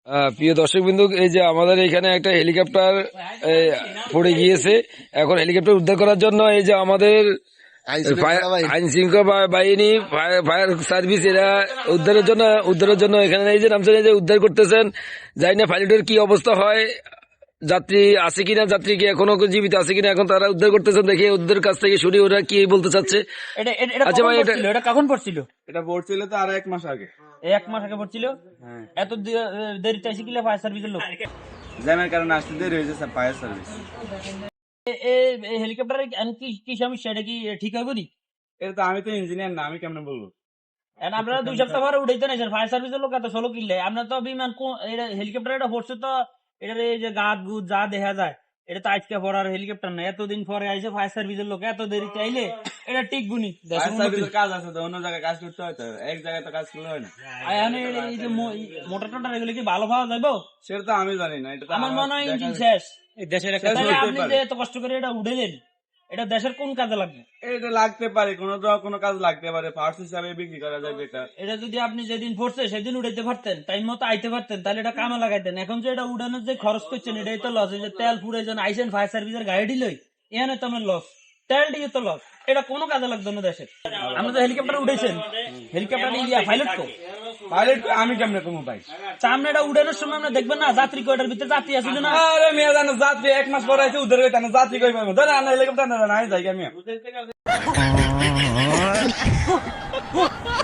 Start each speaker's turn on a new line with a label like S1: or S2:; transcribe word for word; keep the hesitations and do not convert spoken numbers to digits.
S1: আহ, প্রিয় দর্শক বিন্দু, এই যে আমাদের এখানে একটা হেলিকপ্টার এই, পড়ে গিয়েছে। এখন হেলিকপ্টার উদ্ধার করার জন্য এই যে আমাদের আইন শৃঙ্খলা বাহিনী, ফায়ার সার্ভিস, এরা উদ্ধারের জন্য উদ্ধারের জন্য এখানে এই যে নামছেন, এই যে উদ্ধার করতেছেন। জানি না পাইলটের কি অবস্থা হয়, যাত্রী আছে কিনা, যাত্রী কি এখনো জীবিত আছে কিনা, এখন তারা উদ্ধার করতেছেন। দেখি ওদের কাছ থেকে শুনি ওরা কি বলতে চাচ্ছে।
S2: এটা এটা- এটা
S1: আচ্ছা
S2: কখন
S1: ভাই, এটা
S2: পড়ছিল? এটা কখন পড়ছিল?
S3: এটা পড়ছিল তো আরো এক মাস আগে।
S2: এই এক মাস আগে পড়ছিল।
S3: হ্যাঁ,
S2: এত দে- দেরি চাইছে কিলা ফায়ার সার্ভিসের লোক?
S3: জ্যামের কারণে আসতে দেরি হয়েছে স্যার, ফায়ার সার্ভিস।
S2: হেলিকপ্টারে কি কি সমস্যা? এটা কি ঠিক হবে নি?
S3: এটা তো আমি তো ইঞ্জিনিয়ার না, আমি কেমনে বলবো?
S2: এখন আপনারা দুই সপ্তাহ পরে উঠাইতে নাইছেন, ফায়ার সার্ভিসের লোক এত ষোলো কিনলে আপনার তো বিমান হেলিকপ্টার এটা পড়ছে তো। এটার এই যে গাছ গুছ যা দেখা যায়, এটা তো আজকে পড়ার হেলিকপ্টার না। এতদিন পরে আইসে ফায়ার সার্ভিসের লোক, এত দেরি চাইলে এটা ঠিক গুনি।
S3: ফায়ার সার্ভিসের কাজ আছে তো, অন্য জায়গায় কাজ করতে হয় তো, এক জায়গায় তো কাজ করলে হয় না।
S2: এখন এই যে মোটর টোটার এগুলো কি ভালো পাওয়া যাবো?
S3: সেটা তো আমি জানি না, এটা তো
S2: আমার
S3: আমার
S2: মনে হয়
S3: দেখা-
S2: ইঞ্জিন শেষ।
S3: দেশের একটা
S2: তাহলে
S3: হতেই
S2: আপনি
S3: পারে।
S2: যে এত কষ্ট করে এটা উঠেলেন, এটা দেশের কোন কাজে লাগবে?
S3: এটা লাগতে পারে, কোনো তো কোনো কাজ লাগতে পারে, পার্টস হিসাবে বিক্রি করা যায় বেকার।
S2: এটা যদি আপনি যেদিন পড়ছে সেদিন উঠাইতে পারতেন, টাইম মতো আইতে পারতেন, তাহলে এটা কামে লাগাইতেন। এখন যে এটা উড়ানোর যে খরচ করছেন, এটাই তো লস। যে তেল ফুরাইছেন, আইসেন ফায়ার সার্ভিসের গাড়ি লই, এখানে তো আমার লস। তেল দিয়ে তো লস। এটা কোনো কাজে লাগতো না দেশের। আমরা যে হেলিকপ্টার উঠেছেন, হেলিকপ্টার ইন্ডিয়া পাইলট তো
S3: পাইলট আমি কেমনে কমু ভাই?
S2: সামনে এটা উড়ানোর সময় আমরা দেখবেন না যাত্রী কয়টার ভিতরে যাত্রী আসলে না।
S3: আরে মেয়ে জানো, যাত্রী এক মাস পরে আছে উদ্ধার হইতে না, যাত্রী কই পাবো? ধরে আনা হেলিকপ্টার না, নাই যাই আমি।